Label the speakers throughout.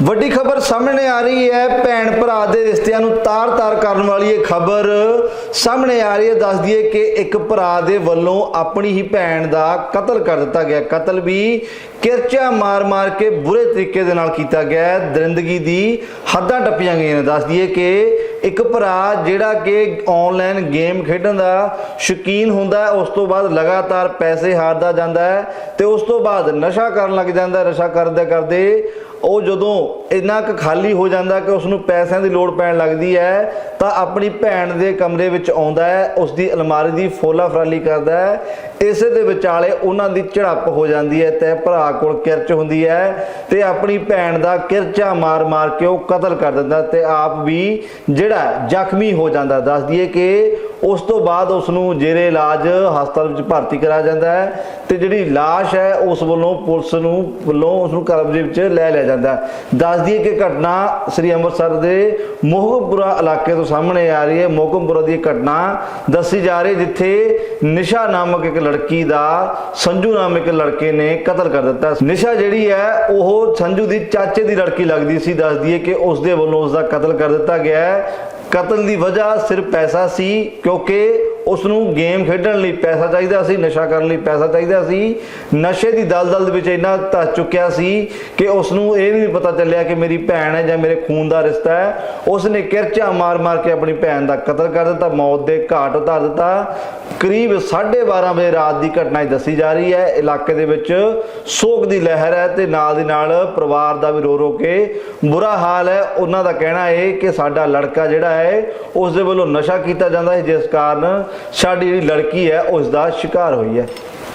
Speaker 1: ਵੱਡੀ ਖਬਰ ਸਾਹਮਣੇ ਆ ਰਹੀ ਹੈ। ਭੈਣ ਭਰਾ ਦੇ ਰਿਸ਼ਤਿਆਂ ਨੂੰ ਤਾਰ-ਤਾਰ ਕਰਨ ਵਾਲੀ ਇਹ ਖਬਰ ਸਾਹਮਣੇ ਆ ਰਹੀ ਹੈ। ਦੱਸ ਦਈਏ ਕਿ ਇੱਕ ਭਰਾ ਦੇ ਵੱਲੋਂ ਆਪਣੀ ਹੀ ਭੈਣ ਦਾ ਕਤਲ ਕਰ ਦਿੱਤਾ ਗਿਆ। ਕਤਲ ਵੀ ਕਿਰਚਾ ਮਾਰ-ਮਾਰ ਕੇ ਬੁਰੇ ਤਰੀਕੇ ਦੇ ਨਾਲ ਕੀਤਾ ਗਿਆ। ਦਰਿੰਦਗੀ ਦੀ ਹੱਦਾਂ ਟੱਪੀਆਂ ਗਈਆਂ ਨੇ। ਦੱਸ ਦਈਏ ਕਿ ਇੱਕ ਭਰਾ ਜਿਹੜਾ ਕਿ ਆਨਲਾਈਨ ਗੇਮ ਖੇਡਣ ਦਾ ਸ਼ੌਕੀਨ ਹੁੰਦਾ ਹੈ, ਉਸ ਤੋਂ ਬਾਅਦ ਲਗਾਤਾਰ ਪੈਸੇ ਹਾਰਦਾ ਜਾਂਦਾ ਹੈ ਤੇ ਉਸ ਤੋਂ ਬਾਅਦ ਨਸ਼ਾ ਕਰਨ ਲੱਗ ਜਾਂਦਾ। ਨਸ਼ਾ ਕਰਦੇ ਕਰਦੇ ਉਹ ਜਦੋਂ ਇੰਨਾ ਕੁ ਖਾਲੀ ਹੋ ਜਾਂਦਾ ਕਿ ਉਸ ਨੂੰ ਪੈਸਿਆਂ ਦੀ ਲੋੜ ਪੈਣ ਲੱਗਦੀ ਹੈ ਤਾਂ ਆਪਣੀ ਭੈਣ ਦੇ ਕਮਰੇ ਵਿੱਚ ਆਉਂਦਾ ਹੈ, ਉਸ ਦੀ ਅਲਮਾਰੀ ਦੀ ਫੋਲਾ ਫਰਾਲੀ ਕਰਦਾ ਹੈ। ਇਸੇ ਦੇ ਵਿਚਾਲੇ ਉਹਨਾਂ ਦੀ ਝੜਪ ਹੋ ਜਾਂਦੀ ਹੈ ਤੇ ਭਰਾ ਕੋਲ ਕਿਰਚ ਹੁੰਦੀ ਹੈ ਤੇ ਆਪਣੀ ਭੈਣ ਦਾ ਕਿਰਚਾ ਮਾਰ-ਮਾਰ ਕੇ ਉਹ ਕਤਲ ਕਰ ਦਿੰਦਾ ਤੇ ਆਪ ਵੀ ਜਿਹੜਾ ਜ਼ਖਮੀ ਹੋ ਜਾਂਦਾ। ਦੱਸ ਦਈਏ ਕਿ ਉਸ ਤੋਂ ਬਾਅਦ ਉਸ ਨੂੰ ਜੇਰੇ ਇਲਾਜ ਹਸਪਤਾਲ ਵਿੱਚ ਭਰਤੀ ਕਰਾਇਆ ਜਾਂਦਾ ਹੈ ਤੇ ਜਿਹੜੀ ਲਾਸ਼ ਹੈ ਉਸ ਵੱਲੋਂ ਪੁਲਿਸ ਵੱਲੋਂ ਉਸ ਨੂੰ ਕਬਜ਼ੇ ਵਿੱਚ ਲੈ ਲਿਆ ਜਾਂਦਾ। ਦੱਸ ਦਈਏ ਕਿ ਘਟਨਾ ਸ੍ਰੀ ਅੰਮ੍ਰਿਤਸਰ ਦੇ ਮੋਹਕਮਪੁਰਾ ਇਲਾਕੇ ਤੋਂ ਸਾਹਮਣੇ ਆ ਰਹੀ ਹੈ। ਮੋਹਕਮਪੁਰਾ ਦੀ ਘਟਨਾ ਦੱਸੀ ਜਾ ਰਹੀ ਜਿੱਥੇ ਨਿਸ਼ਾ ਨਾਮਕ ਇੱਕ ਲੜਕੀ ਦਾ ਸੰਜੂ ਨਾਮਕ ਇੱਕ ਲੜਕੇ ਨੇ ਕਤਲ ਕਰ ਦਿੱਤਾ। ਨਿਸ਼ਾ ਜਿਹੜੀ ਹੈ ਉਹ ਸੰਜੂ ਦੀ ਚਾਚੇ ਦੀ ਲੜਕੀ ਲੱਗਦੀ ਸੀ। ਦੱਸ ਦਈਏ ਕਿ ਉਸ ਦੇ ਵੱਲੋਂ ਉਸ ਦਾ ਕਤਲ ਕਰ ਦਿੱਤਾ ਗਿਆ ਹੈ। ਕਤਲ ਦੀ ਵਜ੍ਹਾ ਸਿਰਫ ਪੈਸਾ ਸੀ, ਕਿਉਂਕਿ ਉਸ ਨੂੰ ਗੇਮ ਖੇਡਣ ਲਈ ਪੈਸਾ ਚਾਹੀਦਾ ਸੀ, ਨਸ਼ਾ ਕਰਨ ਲਈ ਪੈਸਾ ਚਾਹੀਦਾ ਸੀ। ਨਸ਼ੇ ਦੀ ਦਲਦਲ ਦੇ ਵਿੱਚ ਇੰਨਾ ਧੱਸ ਚੁੱਕਿਆ ਸੀ ਕਿ ਉਸ ਨੂੰ ਇਹ ਵੀ ਨਹੀਂ ਪਤਾ ਚੱਲਿਆ ਕਿ ਮੇਰੀ ਭੈਣ ਹੈ ਜਾਂ ਮੇਰੇ ਖੂਨ ਦਾ ਰਿਸ਼ਤਾ ਹੈ। ਉਸ ਨੇ ਕਿਰਚਾ ਮਾਰ-ਮਾਰ ਕੇ ਆਪਣੀ ਭੈਣ ਦਾ ਕਤਲ ਕਰ ਦਿੱਤਾ, ਮੌਤ ਦੇ ਘਾਟ ਉਤਾਰ ਦਿੱਤਾ। ਕਰੀਬ 12:30 ਵਜੇ ਰਾਤ ਦੀ ਘਟਨਾ ਦੱਸੀ ਜਾ ਰਹੀ ਹੈ। ਇਲਾਕੇ ਦੇ ਵਿੱਚ ਸੋਗ ਦੀ ਲਹਿਰ ਹੈ ਤੇ ਨਾਲ ਦੀ ਨਾਲ ਪਰਿਵਾਰ ਦਾ ਵੀ ਰੋ-ਰੋ ਕੇ ਬੁਰਾ ਹਾਲ ਹੈ। ਉਹਨਾਂ ਦਾ ਕਹਿਣਾ ਹੈ ਕਿ ਸਾਡਾ ਲੜਕਾ ਜਿਹੜਾ ਹੈ ਉਸ ਦੇ ਵੱਲੋਂ ਨਸ਼ਾ ਕੀਤਾ ਜਾਂਦਾ ਹੈ, जिस कारण साडी लड़की है उसका शिकार हुई है।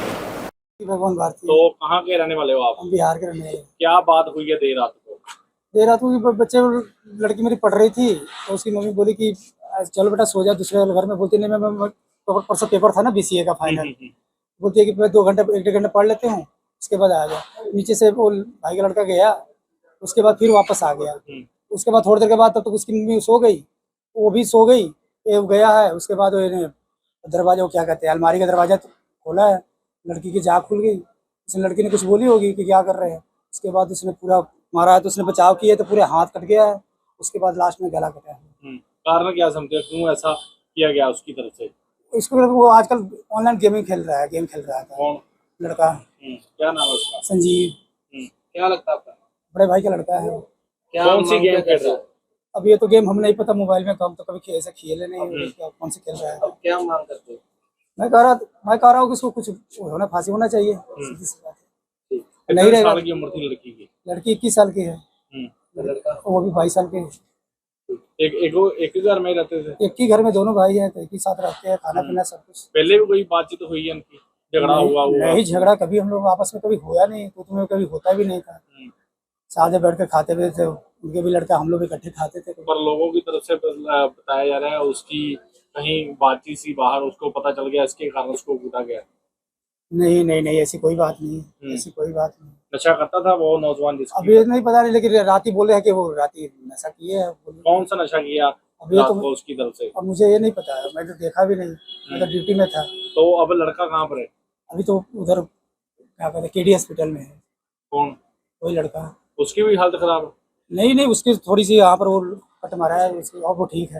Speaker 2: भगवान भारती।
Speaker 3: तो कहाँ के रहने वाले हो आप?
Speaker 2: हम बिहार के रहने वाले।
Speaker 3: क्या बात हुई है देर रात को?
Speaker 2: देर रात को बच्चे लड़की मेरी पढ़ रही थी तो उसकी मम्मी बोली कि चलो बेटा सो जा दूसरे घर में। बोलती नहीं, मैं परसों पेपर था ना BCA का फाइनल। बोलती है कि मैं 2 घंटे 1 घंटे पढ़ लेते हूँ, उसके बाद आ गया। नीचे से वो भाई का लड़का गया, उसके बाद फिर वापस आ गया। उसके बाद थोड़ी देर के बाद तब तक उसकी मम्मी सो गई, वो भी सो गई, ये गया है। उसके बाद दरवाजा क्या कहते हैं, अलमारी का दरवाजा खोला है, लड़की की जाग खुल गई। उसने लड़की ने कुछ बोली होगी कि क्या कर रहे हैं। उसके बाद उसने पूरा मारा है तो उसने बचाव किया तो पूरे हाथ कट गया है। उसके बाद लास्ट में गला कटा है।
Speaker 3: कारण क्या समझते हैं, क्यों ऐसा किया गया उसकी तरफ से?
Speaker 2: इसको वो आजकल ऑनलाइन गेमिंग खेल रहा है, गेम खेल रहा था।
Speaker 3: कौन
Speaker 2: लड़का?
Speaker 3: क्या नाम है उसका?
Speaker 2: संजीव।
Speaker 3: क्या लगता है आपका?
Speaker 2: बड़े भाई का लड़का है।
Speaker 3: कौन सी गेम खेल रहा है?
Speaker 2: अब ये तो गेम हम नहीं पता, मोबाइल में कम तो कभी ऐसे खेले नहीं, कौन से खेल रहा है।
Speaker 3: अब क्या मांग करते हो?
Speaker 2: मैं कह रहा हूँ कि इसको कुछ होना, फांसी होना चाहिए। सीधी सी बात है। नहीं
Speaker 3: कितने
Speaker 2: रहेगा।
Speaker 3: साल की उम्र थी लड़की की?
Speaker 2: लड़की 21 साल की है,
Speaker 3: लड़का
Speaker 2: वो भी 22 साल के हैं।
Speaker 3: एक ही घर में रहते थे?
Speaker 2: एक ही घर में दोनों भाई हैं तो एक ही साथ रहते हैं, खाना पीना सब कुछ।
Speaker 3: पहले भी कोई बातचीत हुई है इनकी? झगड़ा हुआ?
Speaker 2: नहीं, झगड़ा कभी हम लोग आपस में कभी होया नहीं, तो तुम्हें कभी होता भी नहीं था। साथ में बैठ कर खाते हुए थे, उनके भी लड़का, हम लोग इकट्ठे खाते थे।
Speaker 3: पर लोगों की तरफ से बताया जा रहा है उसकी कहीं बातचीत सी बाहर, उसको पता चल गया, इसके कारण उसको कूदा गया।
Speaker 2: नहीं नहीं नहीं, ऐसी कोई बात नहीं, ऐसी कोई बात नहीं।
Speaker 3: नशा करता था वो नौजवान जिसकी?
Speaker 2: अभी नहीं पता नहीं, लेकिन रात ही बोले हैं कि वो रात ही नशा किए है।
Speaker 3: कौन सा नशा किया
Speaker 2: अभी
Speaker 3: रात
Speaker 2: तो
Speaker 3: को उसकी तरफ से?
Speaker 2: अब मुझे ये नहीं पता है, मैं तो देखा भी नहीं, मैं तो ड्यूटी में था।
Speaker 3: तो अब लड़का कहाँ पर है?
Speaker 2: अभी तो उधर क्या कहते हैं, KD हॉस्पिटल में है।
Speaker 3: कौन?
Speaker 2: वही लड़का।
Speaker 3: उसकी भी हालत खराब है?
Speaker 2: नहीं, उसकी थोड़ी सी यहाँ पर वो कट मारा है उसकी, और वो ठीक है।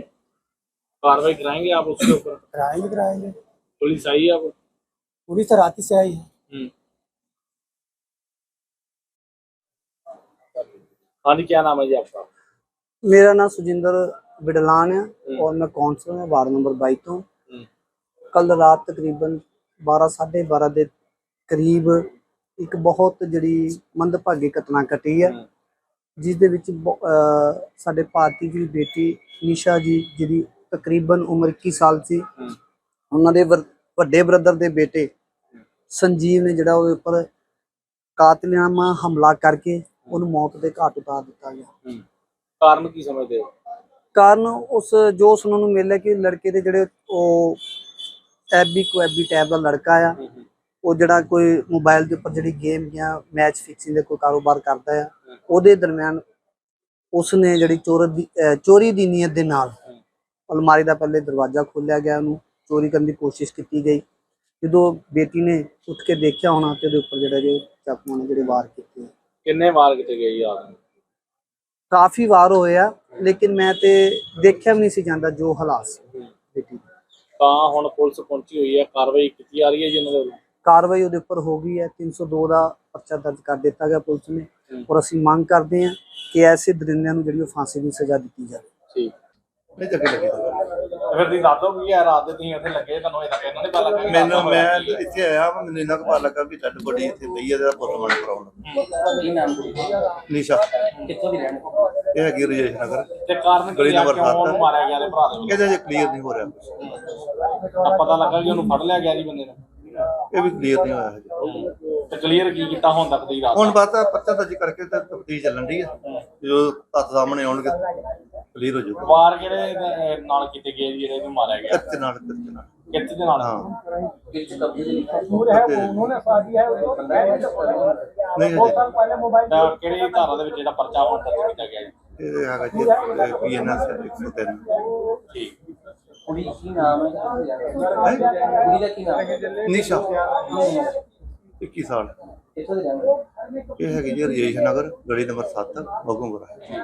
Speaker 3: कार्रवाई कराएंगे आप उसके ऊपर?
Speaker 2: कराएंगे।
Speaker 3: पुलिस आई है अब?
Speaker 2: पुलिस तो रात ही से आई है।
Speaker 3: हाँ जी, क्या नाम है जी आपका?
Speaker 4: मेरा नाम सुजिंदर बिडलान है और मैं कौंसल हूँ वार्ड नंबर 22 तो। कल रात तकरीबन 12 साढ़े 12 के करीब एक बहुत जी मंदभागी घटना घटी है, जिस दे विच साडे भारती जी बेटी निशा जी जी तकरीबन उम्र 21 साल सी, उन्होंने वड्डे ब्रदर के बेटे संजीव ने जिहड़ा उहदे उपर कातिलाना हमला करके उन्हें मौत के घाट उतार दिता गया।
Speaker 3: कारण की समझते हो?
Speaker 4: कारण उस जो सुनने को मिले कि लड़के के जिहड़े एबी टैब का लड़का आ, वो जिहड़ा कोई मोबाइल के उपर जिहड़ी गेम या मैच फिक्सिंग का कोई कारोबार करता है, उहदे दरम्यान उसने जिहड़ी चोरी की नीयत के नाल अलमारी का पहले दरवाजा खोलिया गया, उन्होंने चोरी करने की कोशिश की गई। जो बेटी ने उठ के देखा होना तो उपर जिहड़े चाकुआं ने जिहड़े वार किए।
Speaker 3: किन्ने वार किए गए?
Speaker 4: ਕਾਫੀ ਵਾਰ ਹੋਇਆ, ਲੇਕਿਨ ਮੈਂ ਤੇ ਦੇਖਿਆ ਵੀ ਨਹੀਂ ਸੀ ਜਾਂਦਾ ਜੋ ਹਾਲਾਤ ਸੀ ਬੇਟੀ ਦੇ।
Speaker 3: ਤਾਂ ਹੁਣ ਪੁਲਿਸ ਪਹੁੰਚੀ ਹੋਈ ਹੈ, ਕਾਰਵਾਈ ਕੀਤੀ ਜਾ ਰਹੀ ਹੈ ਜੀ ਉਹਨਾਂ ਦੇ ਵੱਲੋਂ।
Speaker 4: ਕਾਰਵਾਈ ਉਹਦੇ ਉੱਪਰ ਹੋ ਗਈ ਹੈ, 302 ਦਾ ਪਰਚਾ ਦਰਜ ਕਰ ਦਿੱਤਾ ਗਿਆ ਪੁਲਿਸ ਨੇ, ਔਰ ਅਸੀਂ ਮੰਗ ਕਰਦੇ ਹਾਂ ਕਿ ਐਸੇ ਦਰਿੰਦਿਆਂ ਨੂੰ ਜਿਹੜੀ ਉਹ ਫਾਂਸੀ ਦੀ ਸਜ਼ਾ ਦਿੱਤੀ ਜਾਵੇ।
Speaker 3: ਠੀਕ
Speaker 1: ਨਹੀਂ ਚੱਕੇ ਲੱਗੇ
Speaker 3: ਫਿਰ ਤੁਸੀਂ ਦੱਸ ਦਿਓ ਕੀ ਹੈ, ਰਾਤ ਦੇ ਤੁਸੀਂ ਇੱਥੇ ਲੱਗੇ, ਤੁਹਾਨੂੰ ਇਹ ਤਾਂ ਇਹਨਾਂ ਨੇ ਪਤਾ ਲੱਗਾ ਕਿ
Speaker 5: ਮੈਨੂੰ
Speaker 3: ਹਾਦਸਾ ਹੋਇਆ
Speaker 5: ਮੈਂ
Speaker 3: ਕੀ ਹੈ?
Speaker 5: ਇੱਥੇ ਆਇਆ ਮੈਨੂੰ ਇੰਨਾ ਕੁ ਪਤਾ ਲੱਗਾ ਵੀ ਡੈਡ ਬੋਡੀ ਇੱਥੇ ਪਈ ਹੈ ਇਹਦਾ ਪੋਸਟਮਾਰਟਮ ਕਰਾਉਣਾ।
Speaker 3: ਕੀ ਨਾਮ ਸੀ?
Speaker 5: ਨਿਸ਼ਾ
Speaker 3: ਕਿੱਥੋਂ ਦੀ ਰਹਿਣ
Speaker 5: ਇਹ ਹੈਗੀ ਰਜੇਸ਼ ਨਗਰ,
Speaker 3: ਤੇ ਕਾਰਨ ਕੀ
Speaker 5: ਗਲੀ
Speaker 3: ਆ
Speaker 5: ਨੰਬਰ
Speaker 3: ਕਿਉਂ ਉਹਨੂੰ
Speaker 5: 7
Speaker 3: ਮਾਰਿਆ ਗਿਆ ਦੇ ਭਰਾ ਦੇ ਵੱਲੋਂ?
Speaker 5: ਇਹਦੇ ਜੇ ਕਲੀਅਰ ਨਹੀਂ ਹੋ ਰਿਹਾ ਕੁਛ।
Speaker 3: ਤਾਂ ਪਤਾ ਲੱਗਾ ਕਿ ਉਹਨੂੰ ਫੜ ਲਿਆ ਗਿਆ ਜੀ ਬੰਦੇ ਨੂੰ।
Speaker 5: ਇਹ ਵੀ ਕਲੀਅਰ ਨਹੀਂ ਹੋਇਆ ਹਜੇ।
Speaker 3: ਤੇ ਕਲੀਅਰ ਕੀ ਕੀਤਾ ਹੁਣ ਤੱਕ ਦੀ ਰਾਤ?
Speaker 5: ਹੁਣ ਬਸ ਆਹ ਪਰਚਾ ਦਰਜ ਕਰਕੇ ਤਾਂ ਤਫਤੀਸ਼ ਚੱਲਣ ਦੀ ਆ, ਜੋ ਤੱਥ ਸਾਹਮਣੇ ਆਉਣਗੇ ਕਲੀਅਰ ਹੋ ਜਾਊਗਾ।
Speaker 3: ਵਾਰ ਕਿਹੜੇ ਨਾਲ ਕੀਤੇ ਗਏ ਜੀ ਜਿਹੜੇ ਇਹਨੂੰ ਮਾਰਿਆ ਗਿਆ?
Speaker 5: ਕਿੱਥੇ ਨਾਲ ਕਿੱਥੇ ਨਾਲ
Speaker 3: ਕਿੱਥੇ ਦੇ ਨਾਲ?
Speaker 5: ਹਾਂ
Speaker 3: ਕਿਸ ਕਬਜ਼ੇ ਦੇ
Speaker 5: ਨਹੀਂ ਹਜੇ
Speaker 3: ਤਾਂ ਕਿਹੜੀ ਧਾਰਾ ਦੇ ਵਿੱਚ ਜਿਹੜਾ ਪਰਚਾ ਹੁਣ ਦਰਜ ਕੀਤਾ ਗਿਆ ਜੀ?
Speaker 5: ਇਹ ਹੈਗਾ ਜੀ ਪੀਐਨਐਸ 103।
Speaker 3: ਠੀਕ।
Speaker 6: ਕੁੜੀ ਕੀ ਨਾਮ ਹੈ? ਕੁੜੀ ਦਾ ਕੀ ਨਾਮ ਹੈ?
Speaker 5: ਨਿਸ਼ਾ 21 ਸਾਲ
Speaker 6: ਕਿੱਥੋਂ ਦੇ ਰਹਿਣ ਵਾਲੇ?
Speaker 5: ਇਹ ਹੈਗੀ ਜੀ ਰਜੇਸ਼ ਨਗਰ, ਗਲੀ ਨੰਬਰ 7 ਮਗੂੰਗਰਾ।